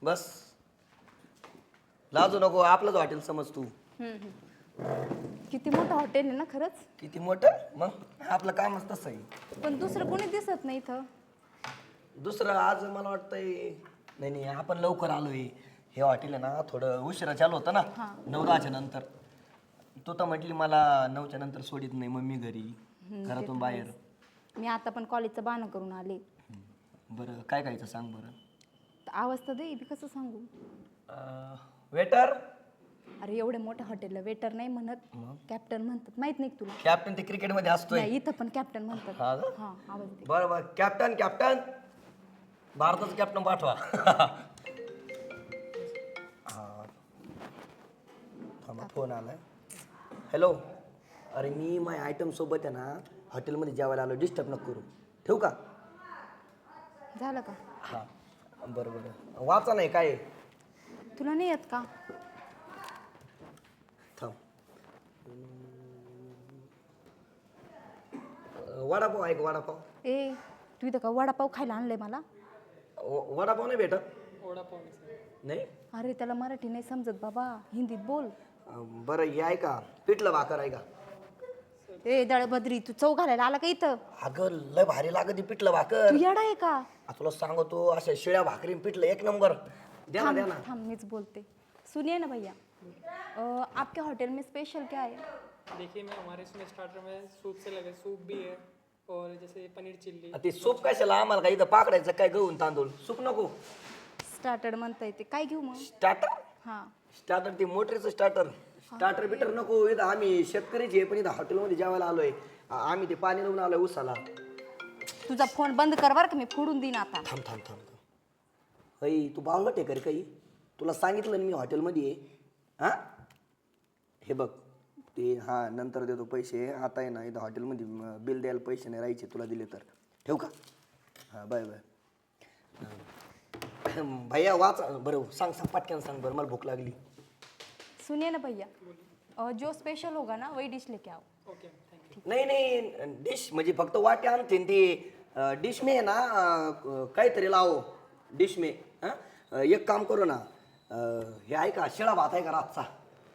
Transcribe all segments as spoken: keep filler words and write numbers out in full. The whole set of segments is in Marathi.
बस लाजू नको, आपलंच हॉटेल समज तू. हम्म, हम्म. किती मोठं हॉटेल आहे ना खरंच. किती मोठं मग आपलं कामच तसं आहे. पण दुसरं कोणी दिसत नाही इथं. दुसरं आज मला वाटतंय नाही नाही आपण लवकर आलोय. हे हॉटेल आहे ना थोडं उशिरा चालू होतं ना, नऊ दहाच्या नंतर. तू तर म्हटली मला नऊच्या नंतर सोडित नाही मम्मी घरी, घरातून बाहेर. मी आता पण कॉलेजचं बहाणं करून आले. बरं काय खायचं सांग बरं. आवाज तर दे, मी कसं सांगू. वेटर. अरे एवढ्या मोठ्या हॉटेलला वेटर नाही म्हणत, कॅप्टन म्हणतात. माहित नाही का तुला. कॅप्टन ते क्रिकेट मध्ये असतोय. नाही इथं पण कॅप्टन म्हणतात. हा का? हा आवाज दे. बरं बरं कॅप्टन कॅप्टन भारताचं कॅप्टन पाठवा. हा थांबा फोन आलाय. हॅलो. अरे मी माय आयटम सोबत आहे ना हॉटेलमध्ये जेवायला आलो, डिस्टर्ब नको करू. ठेवू का. झालं का. हा बरं बरं वाचा नाही काय तुला नाही येत का. थांब. वडापाव आहे का वडापाव. ए तू इथं का वडापाव खायला आणलंय मला. व- वडापाव नाही भेटत. वडापाव नाही. अरे त्याला मराठी नाही समजत बाबा, हिंदीत बोल. अं, बरं हे आहे का पिठलं भाकर आहे का. ए दळभद्री तू चव घालायला आला का इथं. अगं लय भारी लागत ती पिठलं भाकर. तू येडा आहे का. आ, तुला सांगतो अशा शिळ्या भाकरी पिठलं एक नंबर. द्या ना थांब द्या ना. थांब मीच बोलते. सुनिए ना भैया, अ, आपके होटल में स्पेशल क्या है. देखिए मैं हमारे इसमें स्टार्टर में सूप से लगे सूप भी है और जैसे पनीर चिल्ली. आ, ते सूप कशाला आम्हाला काय इथं पाकडायचं काय गहून तांदूळ सूप नको. स्टार्टर म्हणता येते काय घेऊ मग. स्टार्टर. हा स्टार्टर ते मोटरीचं स्टार्टर. स्टार्टर बिटर नको. इथं आम्ही शेतकरीच आहे पण इथं हॉटेलमध्ये जेवायला आलोय. आ, आम्ही ते पाणी लावून आलोय उसाला. तुझा फोन बंद कर बर का, मी फोडून देईन आता. थांब थांब थांब थांब. अई तू बावळट आहे का रे काही. तुला सांगितलं ना मी हॉटेलमध्ये आहे. हां हे बघ ते हां नंतर देतो पैसे. आता आहे ना इथं हॉटेलमध्ये म, बिल द्यायला पैसे नाही राहायचे तुला दिले तर. ठेवू का. हां बाय बाय. अं, भैया वाच बरं सांग सांग पटकन सांग बरं मला भूक लागली. सुनिए ना भैया, अ, जो स्पेशल होगा ना वही डिश लेके आओ. Okay thank you. नाही नाही डिश म्हणजे फक्त वाटे आणते ते डिश में आहे ना अं, काहीतरी लावो डिश में. हां एक काम करू ना अं, हे आहे का शिळा भात आहे का रातचा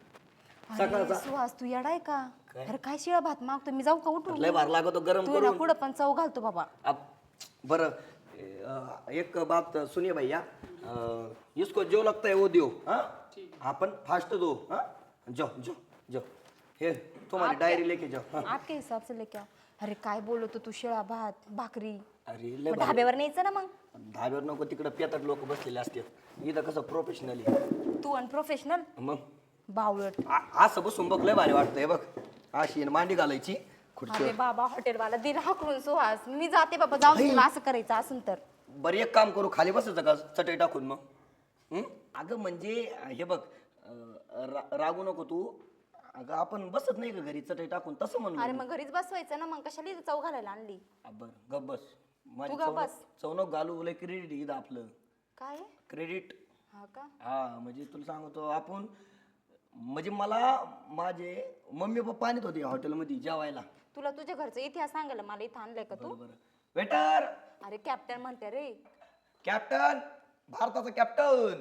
अरे सुहास तू येडा आहे का. अरे काय शिळा भात मागतो मी, जाऊ का उठून. लय भार लागतो गरम तू ना करून. कुठं पण चव घालतो बाबा. अब बरं अं, एक बात सुनिए भैया अं, इसको जो लगता है वो दियो. हाँ अपन फास्ट दो. हाँ जाओ जाओ जाओ. हे तुम्हारी डायरी लेके जाओ. हाँ. आपके हिसाब से लेके आओ. अरे काय बोलतो तू, शिळा भात भाकरी. अरे लय मग भारी. ढाब्यावर न्यायचं ना मग. धाब्यावर नको तिकडं पेतट लोक बसलेले असतात. इथं कसं प्रोफेशनली. तू अनप्रोफेशनल मग बावळट. आ- असं बसून बघ लय भारी वाटतंय बघ. अशी न मांडी घालायची खुर्ची. अरे बाबा हॉटेलवाला दिला हाकलून सुहास. मी जाते बाबा, जाऊन तुला असं करायचं असून तर. बरं एक काम करू खाली बसायचं का चटई टाकून मग. हं? अगं म्हणजे हे बघ अं, रा- रागू नको तू. अगं आपण बसत नाही का घरी चटई टाकून तसं म्हणून. अरे मग घरीच बसवायचं ना, मग कशाला इथं चव घालायला आणली. बरं गप बस. माझी तू गप चवणं- बस. चवणं घालू लय क्रेडिट इथं आपलं. काय क्रेडिट. हा का. हा म्हणजे तुला सांगतो आपण म्हणजे मला माझे मम्मी पप्पा आणत होते हॉटेलमध्ये जेवायला. तुला तुझ्या घरचा इतिहास सांगायला मला इथं आणलंय का तू. बरं वेटर. अरे कॅप्टन म्हणते रे. कॅप्टन भारताचा कॅप्टन.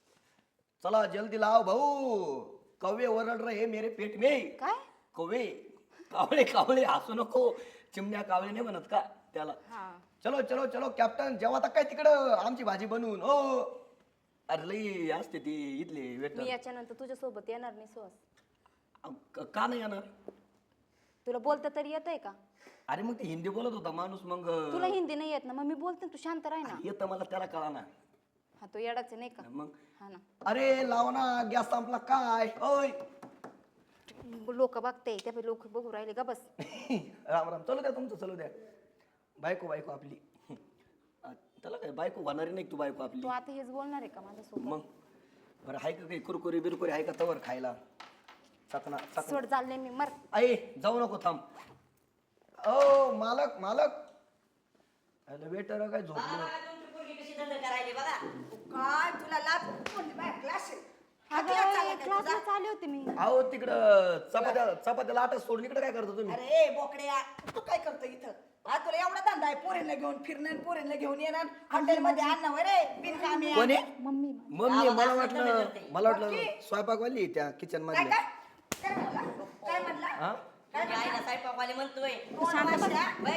चला जल्दी लाव भाऊ. कव्वे ओरड रहे मेरे पेट में. काय. कव्वे कावळे कावळे हसू नको. चिमण्या कावळे नाही म्हणत का त्याला. हा चलो चलो चलो कॅप्टन जेव्हा आता काय तिकडं आमची भाजी बनवून. हो अरे लई असते ती इथले मी वेटर. याच्यानंतर तुझ्या सोबत येणार नाही सुहास. का नाही येणार. तुला बोलता तरी येतंय का. अरे मग ते हिंदी बोलत होता माणूस मग. तुला हिंदी नाही येत ना, मग मी बोलते ना, तू शांत राह ना. येतं मला त्याला कळा ना. हा तो येडाच आहे नाही का. मग हा ना. अरे लाव ना गॅस संपला काय. ओय लोक बघते त्या लोक बघू राहिले का बस. राम राम. चलू द्या तुमचं चलू द्या. बायको बायको आपली. त्याला काय बायको होणारी नाही तू बायको आपली. तू आता हेच बोलणार आहे का माझ्यासोबत. मग बरं आहे का काही कुरकुरी बिरकुरी आहे का तवर खायला. चकना चकना. सोड चालले मी मर. आई जाऊ नको थांब. ओ मालक मालक. अरे वेटर काय झोपलो. काय तुला लाज कोणती बाय क्लास क्लासला चालले होते मी. अहो तिकडं चपात्या चपात्याला आटा सोडून इकडे काय करतो तुम्ही. अरे बोकड्या तू काय करतो इथं. हा तुला एवढा धंदा आहे पोरींना घेऊन फिरणं पोरींना घेऊन येणार हॉटेल मध्ये आणणं रे बिनकामी. कोणी मम्मी मम्मी मला वाटलं मला वाटलं स्वयंपाकवाली त्या किचन काय मधल्या काय काय म्हणला काय म्हणला हा काय तुझ्या आईला स्वयंपाकवाले म्हणतोय शांत बस.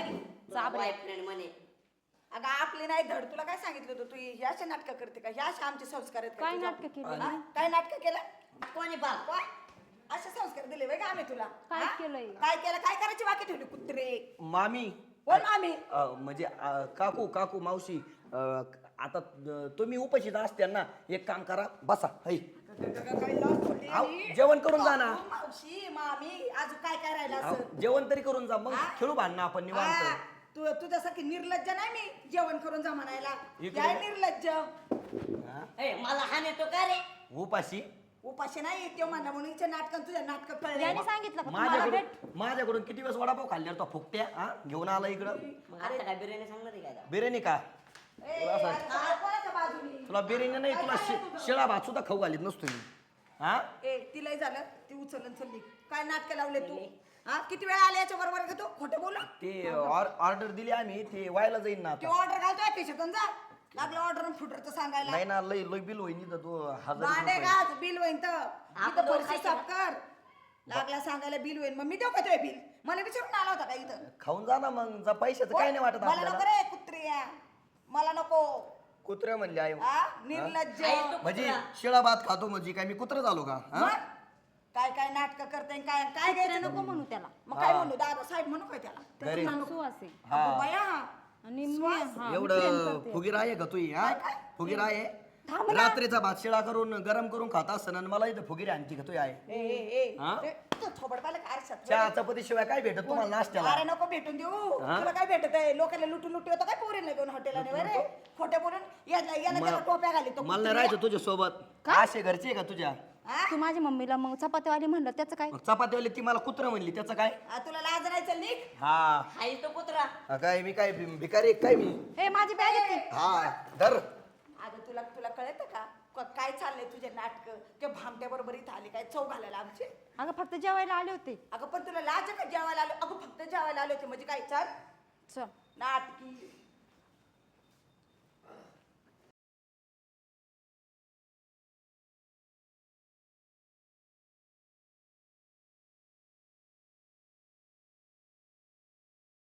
बघ बॉयफ्रेंड म्हणे अगं आपली नाही धड तुला काय सांगितलं होतं तू ह्या अशा नाटकं करते का ह्या अशा आमचे संस्कार आहेत का काय तुझ्या? नाटकं केली? हा? काय नाटकं केलं कोणी बा काय असे संस्कार दिले वय का आम्ही तुला काय हा? केलंय? काय केलं काय करायची बाकी ठेवली कुत्रे मामी बोल मामी अ, म्हणजे अ, काकू काकू मावशी अ, आता अ, तुम्ही उपस्थित असत्या ना एक काम करा बसा है काय लाज सोडली आव, मी? जेवण करून जा ना. काकू, मावशी मामी अजून काय काय राहिलं आव, असं जेवण तरी करून जा मग हा? खेळू भांडणं आपण हा, निवांत तू तुझ्यासारखी निर्लज्ज नाही मी जेवण करून जा म्हणायला इकडे काय बघ. निर्लज्ज हा? ए, मला हाने तो का रे उपाशी उपाशी नाही ते म्हणा म्हणून हिच्या नाटकात तुझ्या नाटक कळले याने सांगितलं का तुम्हाला माझ्याकडून भेट माझ्याकडून किती वेळेस वडापाव खाल्ल्यावर तो फुकट्या हा घेऊन आला इकडं मग आता काय बिर्याणी सांगणार आहे काय बिर्याणी का ए, अरे सगळं कोणाच्या बाजूनी? तुला बिर्याणी नाही तुला शि- शिळा भात सुद्धा खाऊ घालीत नसतो मी हा ए तिलाही झालं ती उचलून चलली काय नाटक लावले तू हा किती वेळा आले याच्या बरोबर का तू खोटं बोल ते ऑर्डर दिली आम्ही ते व्हायला जाईन ना ती आता ऑर्डर घालतोय खिशातून जा लागलं ऑर्डर फुटरचं सांगायला नाही ना लय लय बिल होईन इथं तो हजार भांडे रुपये. घास बिल होईन तर आपण इथं दोघं फरशी खायचं साफ कर लागला सांगायला बिल होईन मग मी देऊ का तुझे बिल मला विचारून आला होता का इथं खाऊन जा ना मग जा पैशाचं काय नाही वाटत मला नको आपल्याला रे कुत्रिया मला नको कुत्र्या म्हणले आई हा निर्लज्ज आई तू म्हणजे शिळा भात खातो म्हणजे काय मी कुत्र झालो का हा? मग काय काय नाटक करते काय काय घ्यायचं नको म्हणू त्याला मग काय म्हणू दादा साहेब म्हणू काय त्याला घरी. त्याचं नाव नको. सुवास आहे अगो बया आणि मी हा, मी प्रेम एवढं करते. फुगीर आहे का तू हा फुगीर आहे रात्रीचा भात शिळा करून गरम करून खात असताना आणि मला इथं फुगीर आणखी का तू आहे ए ए ए हा? ए, तू थोबड पाहिलं का आरशात? चहा चपाती शिवाय काय भेटत तुम्हाला नाश्त्याला अरे नको भेटून देऊ हा? तुला काय भेटत आहे लोकांना लुटू लुटू होतं काय पोरीला घेऊन हॉटेलला रे खोटे बोलून याला याला त्याला टोप्या घाली तो मला नाही राहायचं तुझ्या सोबत असे घरचे आहे का तुझ्या हा? तू माझ्या मम्मीला मग चपातीवाली म्हणलं त्याचं काय मग चपातीवाली ती मला कुत्र म्हणली त्याचं काय आ, तुला लाज नाही चल निघ हा आई तो कुत्रा हा, काय मी काय भि- भिकारी आहे काय मी ए माझी बॅग येते हा धर अगं तुला तुला कळत का क- काय चाललंय तुझे नाटक ते भामट्या बरोबर इथं आले काय चौ घालायला आमचे अगं फक्त जेवायला आले होते अगं पण तुला लाज आहे का जेवायला आलो अगं फक्त जेवायला आले होते म्हणजे काय चाल चल नाटकी